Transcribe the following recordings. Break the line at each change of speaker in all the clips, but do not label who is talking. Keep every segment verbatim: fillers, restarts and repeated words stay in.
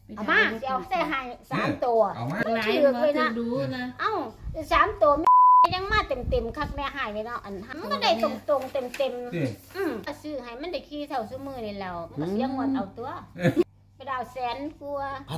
เอามาเดี๋ยวใส่ให้สามตัว
เอามา
หลายเลยนะ
ดูนะ
เอ้าสามตัวยังมาเต็มเต็มคักแม่หายเลยเนาะอันมันก็ได้ตรงตรงเต็มเต็มอืมซื้อให้มันได้ขี้เท่าซื้อมือนี่แล้วมันเสียงหมดเอาตัวไปดาวแสนกลัว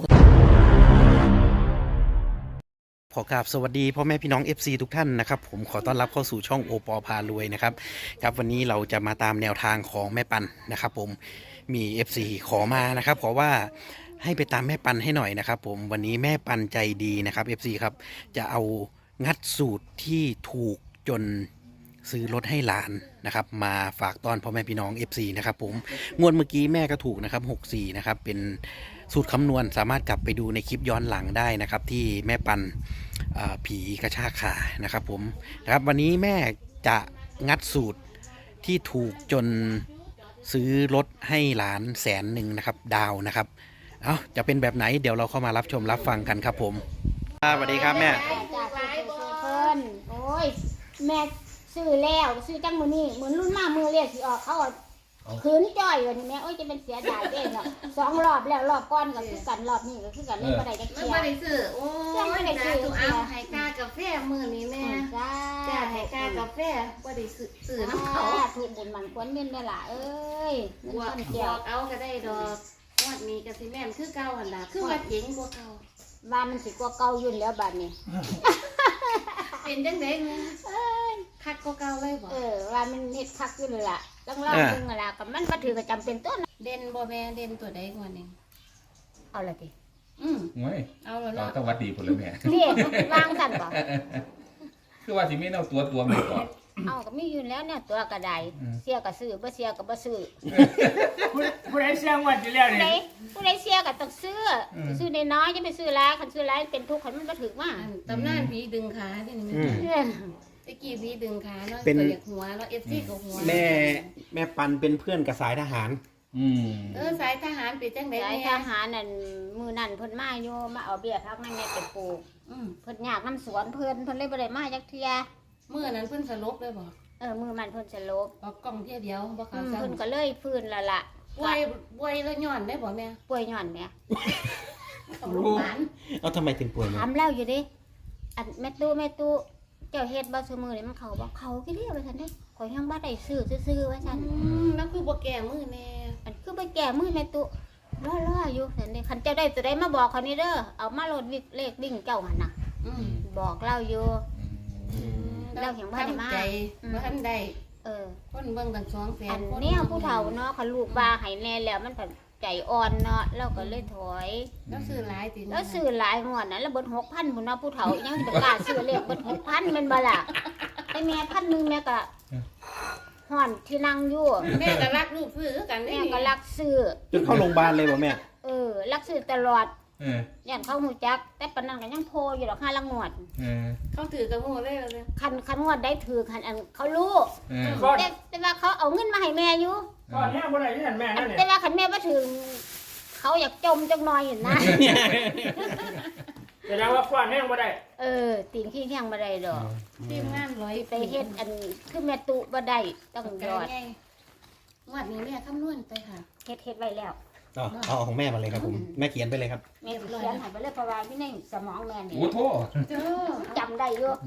ขอกราบสวัสดีพ่อแม่พี่น้อง เอฟ ซี ทุกท่านนะครับผมขอต้อนรับเข้าสู่ช่องโอปอพารวยนะครับครับวันนี้เราจะมาตามแนวทางของแม่ปันนะครับผมมี เอฟ ซี ขอมานะครับขอว่าให้ไปตามแม่ปันให้หน่อยนะครับผมวันนี้แม่ปันใจดีนะครับ เอฟ ซี ครับจะเอางัดสูตรที่ถูกจนซื้อรถให้หลานนะครับมาฝากตอนพ่อแม่พี่น้อง เอฟ ซี นะครับผมงวดเมื่อกี้แม่ก็ถูกนะครับหกสิบสี่นะครับเป็นสูตรคำนวณสามารถกลับไปดูในคลิปย้อนหลังได้นะครับที่แม่ปันผีกระชากขานะครับผมนะครับวันนี้แม่จะงัดสูตรที่ถูกจนซื้อรถให้หลานแสนหนึ่งนะครับดาวนะครับเอาจะเป็นแบบไหนเดี๋ยวเราเข้ามารับชมรับฟังกันครับผมสวัสดีครับแม่
จากเพิ่นโอ้ยแม่ซื้อแล้วซื้อจังมือนี่เหมือนรุ่นมามือเรียกสิออกเขาขืนจ่อยอยู่นี่แม่โอ้ยจะเป็นเสียดายเด้เนาะสองรอบแล้วรอบก้อนก็คือกันรอบนี้ก็คือกันเล่นบ่ได้จัก
ไม่
เที่ย
บ่ได้ซื้อโอ้ยจ้าตัวเอาให้ค่ากาแฟมื้อนี้แม่
จ้า
จ้าให้ค่ากาแฟบ่ได้ซื้อซื้อน้ำเขา
ถูกบุญมันควรเม่นได้ล่ะเอ้ยเงิน
บว
ต้
ก
น
บ
เกี่ยว ว
กเอาก็ได้ดอกงวดนี้ก็สิแม่นคือเก่าหั่นล่ะคือว่าเจ๋งกว่าเก่า
ว่ามันสิกว่าเก่ายุ่นแล้วบัดนี้
เป็นจังได๋แม่คักกว่าเก่าเลยบ่
เออว่ามันเฮ็ดคักอยู่เลยล่ะต้องเล่าเพิ่งล่ะกับมันบ่ถือก็จำเป็นต้น
เด่นบ่แม่เด่นตัวใดกว่านี้
เอาละติ
อืม
โอ้ย
เอาแล้ว
เรา
เนาะ
ต้องวัดดีผลเลยแม่
นี่วางสั่นบ่
คือว่าสิไม่เอาตัวตัวมาก่อน
เอาก็มีอยู่แล้วเนี่ยตัวกระไดเสียก็ซื้อบ่เสียก็บ่ซื้อ
ผู้ผู้ใดเสียงวัดอยู่แล้ว
ผู้ใด
นี่
ผู้ใดเสียก็ต้องซื้อซื้อน้อยๆจะไปซื้อหลายคันซื้อหลายเป็นทุกข์คันมันบ่ถึกมา
อันตำนานผีดึงขาที่นี่แม่
เออ
ตะกี้ผีดึงขาเนาะ
เป็น
ตัวอยากหัวแล้ว เอฟ ซี ก็หัว
แม่แม่ปันเป็นเพื่อนกับสายทหาร
อืม
เออสายทหารเป็นจังได๋
สาย
แม่
ทหารนั่นมื้อนั้นเพิ่นมาอยู่มาเอาเบี้ยพักนั่นแม่ไปปลูก
อืม
เพิ่นอยากนำสวนเพิ่นเพิ่นเลยบ่ได้มาจักเที่ย
มื้อนั้นเพิ่นสลบเลยบ่
เออมื้อมันเพิ่นสลบ
ออกกล้องเที่ยเดียวบ่
อื
เขา
ม
ซ้ํ
เพิ่นก็เลยฟื้นและล่ะ
ป่วยป่วยแล้วย้อนได้บ่แม่
ป่วยย้อนแม่
ต้องโรงพยาบาล
เอาทำไมถึงป่วย
ถามแล้วอยู่ดิอันแม่ตู้แม่ตู้เจ้าเฮ็ดบ่ซุมื้อนี่มันเข้าบ่เข้ากี่เด้อว่าซั่นเด้ข่อยยังบ่ได้ซื้อซื่อๆว่าซั่น
อืมแล้วคือบ่แก้มือแน่
อันคือไปแก่มื้อแม่ตู้รอๆอยู่ซั่นเด้คันเจ้าได้ตัวใดมาบอกเขานี่เด้อเอามาโหลดวิกเลขวิ่งเจ้าหั่นน่ะ
อืม
บอกเล่าอยู่ เราเห็นว่าได้มา
ทำใจบ่ทันได้
เออ
คนเบิ่งตั้งสองแสน
อัน
คน
เนี้ยผู้เฒ่าเนาะคันลูกว่าให้แน่แล้วมันผันใจอ่อนเนาะเราก็เลยถอย
แล้วซื้อหลายติ
แล้วซื้อหลายงวดนั้นแล้วเบิดหกพันพุ่นเนาะผู้เฒ่ายังสิไปกล้าซื้อเลขเบิดหกพันแม่นบ่ล่ะไอ้แม่พันหนึงแม่ก็ห่อนที่นั่งอยู่
แม่ก็รักลูกซื้อกัน
แม่ก็รักซื้อ
จนเข้าโรงพยาบาลเลยป่ะแม่
เออรักซื้อตลอด
เออ
ย่านเขาหูจัก แต่ปานนั้นก็ยังโพอยู่ดอกห้าละงวด
เออ
เขาถือกระหูเลยเลย
คันคันงวดได้ถือคันอันเขารู้
เออ
ก่อน
แต่แต่ว่าเขาเอาเงินมาให้แม่อยู่
ก่อนแม่บ่ได้ที่นั่นแม่นั่น
แต่
เนี่ย
ว่าคันแม่มาถึง เขาอยากจมจังหน่อยอยู่นะ
แสดงว่าก่อนแม่บ่ได้
เออตีนขี้แข้งบ่ได้ดอก
ทีมงานร้อย
ไปเฮ็ดอันคือแม่ตุบ่ได้ต้อง
ต้อง
ย
ย
อ
อ
ด
ดงวดนี้แม่คำนวณไปค่ะ
เฮ็ดเฮ็ดไว้แล้ว
เอาเอาของแม่มาเลยครับผมแม่เขียนไปเลยครับ
แม่สิเขียนให้ไปเลยเพราะว่าที่ในสมองแม่นี่
โอ้โทษ
เจ้า
จำได้อยู่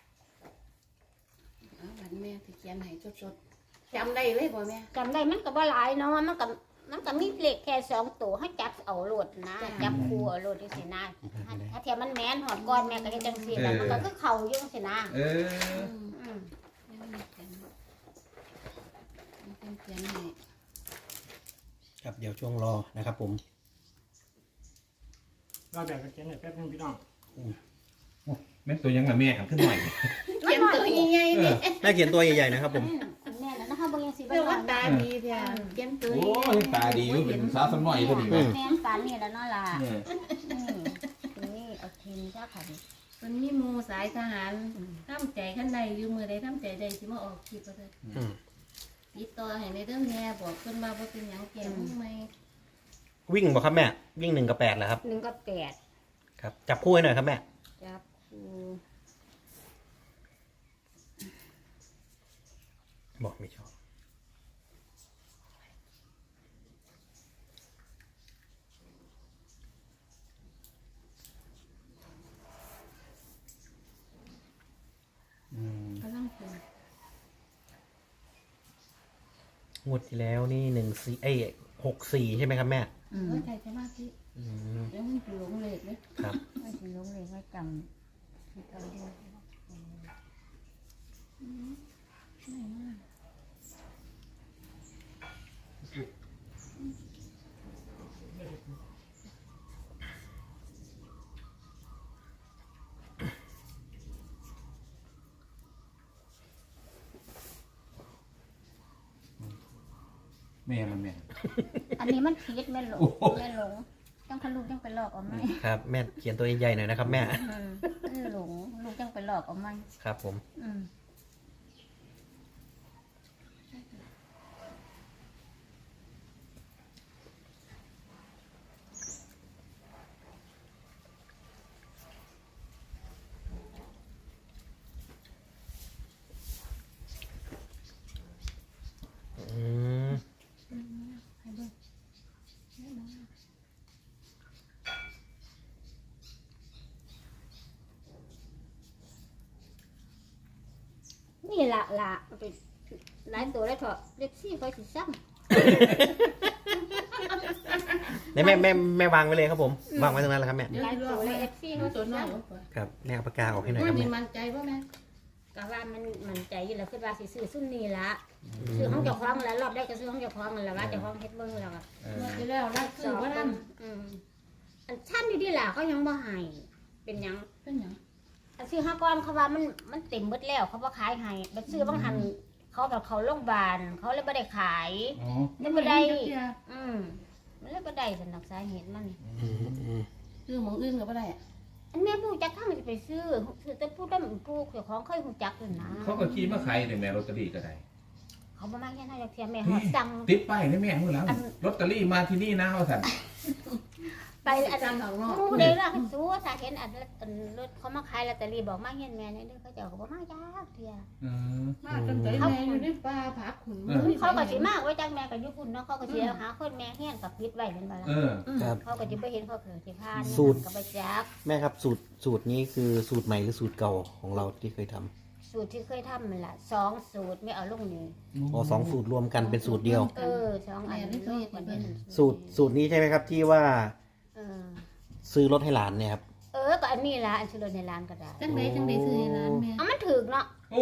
เอาบัดแม่ที่เขียนให้สดๆจำได้เลยบ่แม่
จำได้มันก็บ่หลายเนาะมันก็มันก็มีเลขแค่สองตัวให้จับเอาโลดนะจับคู่เอาโลดจังซี่นะถ้าเทียมมันแม่นหอดก่อนแม่ก็เฮ็ดจังซี่แล้วมันก็คือเข้าอยู่จังซี่นะ
เออ
อืม
ยังไม่เขียนยังเขียนให้
ครับเดี๋ยวช่วงรอนะครับผม
เราแบบกันเขียนให้แป๊บนึงพี่น้อง
แม่ตัวยังละแม่หันขึ้นหน่อย
เขียนตัวใหญ่ๆนี่
แม่เขียนตัวใหญ่ๆนะครับผม
แม่น่ะนะคะบ่ยังสิบ่
เรียก
นอ
ว่าน ตาดีเด้อเขียนตัว
โอ้ยตาดีอยู่เป็นสาวสำน้อยพอดี
แม่
แม่
นปานนี่แล้วเนาะล่ะ
เออ
อืมนี่เอาทิมจ้าค่ะดิ
มันมีหมู่สายทหารทำใจคันใดอยู่มื้อใดทำใจใดสิมาออกคลิปบ่ได้
อืม
ติดต่อให้ในเรื่องแม่บอกเพิ่นว่าบ่เป็นหยังแก่มึงไหม
วิ่งบ่ครับแม่วิ่งหนึ่งกับแปดเหรอครับ
หนึ่งกับแปด
ครับจับคู่ให้หน่อยครับแม่
จับคู่
บอกไม่ชอบ
อ
งวดที่แล้วนี่หนึ่งสี่เอ้ยหกสี่ใช่ไหมครับแม่
อืมใจสมาธิ
อืม
แล้วมันหลงเลขเลย
ครับ
ไม่ถึงลงเลยไม่จำไม่จำด้วย
แม่มันแม่
อันนี้มันผิดแม่หลง
โอ้โห
แม่หลงจังคันลูกจังไปหลอกเอาไหม
ครับแม่เขียนตัวใหญ่ๆหน่อยนะครับแม่
อืมแม่หลงลูกจังไปหลอกเอาไหม
ครับผม
อืม
อืม
นี่ละละไปหลายตัวแล้วเถอะเล็กซี่คอยสิซ้
ไหนแม่แม่แม่วางไว้เลยครับผมวางไว้ตรงนั้นแหละครับแม่
ำหลายตัวเลยเอฟซี
มั
เขา
น
สิ
ตัวน้อย
ซ้
กว่า
ครับแม่เอาปากกาออกให้หน่อยค
มั
รับ
นมี
แม่
มันใจป่ะแม่
ำก็ว่ามันมันใจอยู่แล้วคือว่าสิซื้อซุ่มนี่ละซื้อของเจ้าของแล้วรอบได้ก็ซื้อของเจ้าของนั่นแหละว่าเจ้าของเฮ็ดเบิ่งแล้วก็
เออ
เมื่อที่แล้วรัก
ส
ซื้อ
อบ
ว่า
กั
นั่
น
น
อืมอันชั้นอยู่ดีล่ะเขายังบ่ให้เป็นหยัง
เป็นหยัง
อันซื้อห้าก้อนเขาว่ามันมันเต็มเบิดแล้วเขาบ่ขายให้บัดซื้อบางหันเขาแบบเขาโรงพยาบาลเขาเลยบ่ได้ขาย
อ๋อ
เลยบ่ได้
จักเทื่อ
อืมมันเลยบ่ได้สำหรับสาเหตุมัน
อืมอืม
ซื้อหมองอื่นก็บ่ได้อะ
อันแม่ผู้จักข้างจะไปซื้อซื้อแต่ผู้ดำผู้เจ้าของเคยฮู้จักอยู่นะ
เขาก็ขี่มาขายในแม่ลอตเตอรี่ก็ได้
เขาบ่มาแค่นั้นจักเที่ยแม่ฮอดสั่ง
ติดป้ายในแม่เมื่อแล้วลอตเตอรี่มาที่นี่นะว่าสัน
ไปอัน
จำของนอก
หมู่ได้ล่ะเขาสู้ถ้าเห็นอันอันรถเขามาขายลอตเตอรี่บอกมาเฮียนแม่นี่เด้อเขาเจ้าก็บ่มาจักเที่ย
เออ
มาจนใจแม่อยู่ในป่าผักขุน
เออ
เขาก็สิมาไว้จังแม่ก็อยู่พุ่นเนาะเขาก็สิเอาหาคนแม่เฮียนกับปิดไว้แม่นบ่ล่ะ
เออ
อืมเขาก็จะไปเห็นเขาเกิดที่พาน
สูตร
กับใบจัก
แม่ครับสูตรสูตรนี้คือสูตรใหม่หรือสูตรเก่าของเราที่เคยทำ
สูตรที่เคยทำมันละสองสูตรไม่เอาลงนี่
อ๋อสองสูตรรวมกันเป็นสูตรเดียว
เออสองอันนี้รวมกันเป็น
สูตรสูตรนี้ใช่ไหมครับที่ว่า
เออ
ซื้อรถให้หลานเนี่ยครับ
เออก็อันนี้ละอันชื่อรถในร้านก็ได้
จังไดจังไดซื้อให้ร้านแม่
เอามันถึกเนาะ
โอ้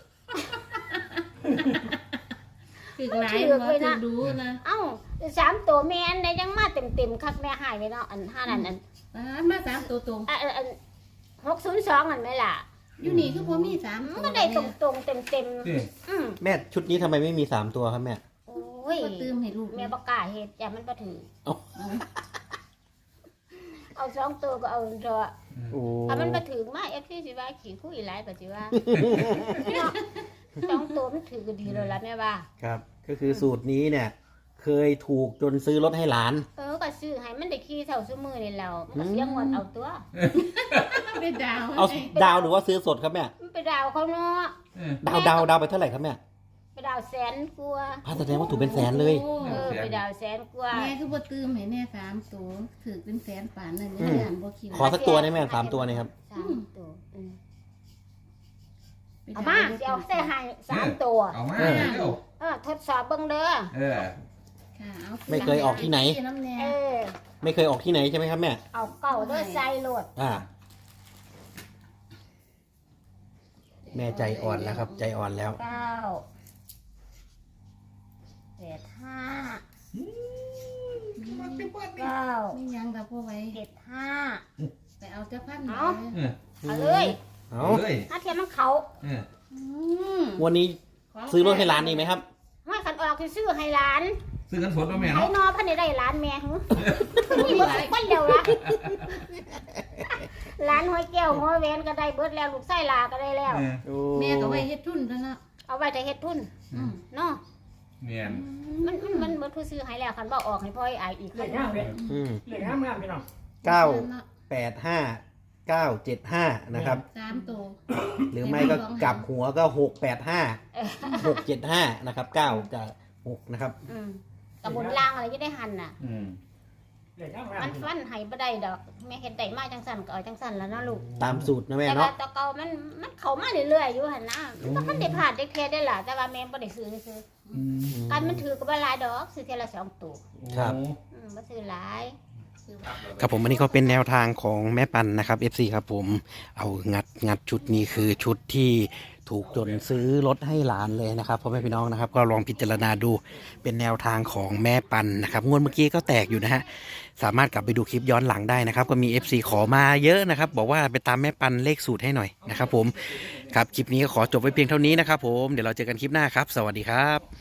ถึกหลายบ่ถึกดูนะ
เอ้าสามตัวแม่อันใดยังมาเต็มเต็มๆคักแม่หายไปเนาะอันห้านั่นอัน
ร้านมาสามตัวตรง
อันอันอันหกศูนย์สองอันไหมล่ะ
อยู่นี่คือบ่มีสาม
มัน
ตัว
ก็ได้ตรงตรงๆเต็มเต็ม
นี่
ๆอืม
แม่ชุดนี้ทำไมไม่มีสามตัวครับแม่
โอ้ย
ก็ตืมให้ลูก
แม่ประกล้าศเหตุอย่ามันประถือ
เอ้า
เอาสองตัวก็เอาเถอะ
โอ้
ถ้ามันมาถึงมาเอฟซีสิว่าขี่คุยหลายปัจจุบันเนาะสองตัวมันถือก็ดีเลยละแม่ว่า
ครับ ก็คือสูตรนี้เนี่ย เคยถูกจนซื้อรถให้หลาน
เออก็ซื้อให้มันได้ขี่เท่าซื้อมือนี่แล้วมันก็เสียงวันเอาตัว
ไปดาว
เอาดาวหรือว่าซื้อสดครับแม่
มันไปดาวเขาเนาะ
เออ
ดาวดาวดาวไปเท่าไหร่ครับแม่
ไปดาวแสนกว่า
พาแสดงว่าถูกเป็นแสนเลย
โอ้
เออไปดาวแสนกว่า
แม่คือบ่ตืมให้แน่สามตัวถือเป็นแสนป่านนั่น
อื
ยัง
ม
ย่านบ่คิด
ขอสักตัวได้ไหมสามตัวเนี่ยครับ
สามตัวอืมเอามาสิเอาใส่ให้สามตัว
เอามา
เออ
เร็ว
เออทดสอบเบิ่งเด้อ
เออ
ค่ะอา
ไม่เคยออกที่ไหน
น้ำแน่
เออ
ไม่เคยออกที่ไหนใช่ไหมครับแม่
เอาเก่าเด้อใส่โหลด
อ่า แม่ใจอ่อนแล้วครับ ใจอ่อนแล้ว
เก้าแปดห้าเก้า
ไม่ยังดอกพ่อไว้
เจ็ดห้า
ไปเอาเจ้าพัน
เอา
เออ
เอาเลย
เอา
เอาเลย
ถ้าเทียมมันเขา
เออ
อืม
วันนี้ซื้อรถให้หลานอีกไหมครับ
ไม่ขันออกคือซื้อให้ร้าน
ซื้อกันสดมาแม่
ไอ้
เนาะ
นอพันได้ได้ร้านแม่หึนี่เบิดทุกคนเดียวละร้านหอยแก้วหอยแหวนก็ได้เบิดแล้วลูกไส้ลาก็ได้แล้ว
เออ
โอ้
แม่ก็ไว้เฮ็ดทุนแล้วเนาะ
เอาไว้แต่เฮ็ดทุน
อืม
เนาะ
เนียน
มันมันมันเบิดผู้ซื้อให้แล้วคันบ่ออกให้พ่อไอ้อายอีก
เหล็กงามเลย
อืม
เหล็กงามงามพี่น้อง
เก้าแปดห้าเก้าเจ็ดห้านะครับ
สามตัว
หรือไม่ก็กลับหัวก็หกแปดห้าหกเจ็ดห้านะครับเก้ากับหกนะครับ
อืมกับบนล่างอะไรจะได้หันน่ะ
อืม
เด็กงามๆ
มันฟันให้บ่ได้ดอกแม่เฮ็ดได้มาจังซั่นก็เอาจังซั่นแล้วเนาะลูก
ตามสูตรนะแม่
แต่ว่า
เนาะ
แตะเกามันมันเข้ามาเรื่อยๆอยู่หั่นนะมันก็ได้ผ่านได้เทได้ล่ะแต่ว่าแม่บ่ได้ซื้อซื้อ
อืม
กันมันถือก็บ่หลายดอกซื้อเทอละสองตัว
ครับ
อืมบ่ซื้อหลาย
ครับผมอันนี้ก็เป็นแนวทางของแม่ปันนะครับ เอฟ ซี ครับผมเอางัดงัดชุดนี้คือชุดที่ถูกจนซื้อรถให้หลานเลยนะครับพ่อแม่พี่น้องนะครับ ก็ลองพิจารณาดูเป็นแนวทางของแม่ปันนะครับงวดเมื่อกี้ก็แตกอยู่นะฮะสามารถกลับไปดูคลิปย้อนหลังได้นะครับ ก็มี เอฟ ซี ขอมาเยอะนะครับ บอกว่าไปตามแม่ปันเลขสูตรให้หน่อยนะครับผมครับคลิปนี้ก็ขอจบไว้เพียงเท่านี้นะครับผมเดี๋ยวเราเจอกันคลิปหน้าครับสวัสดีครับ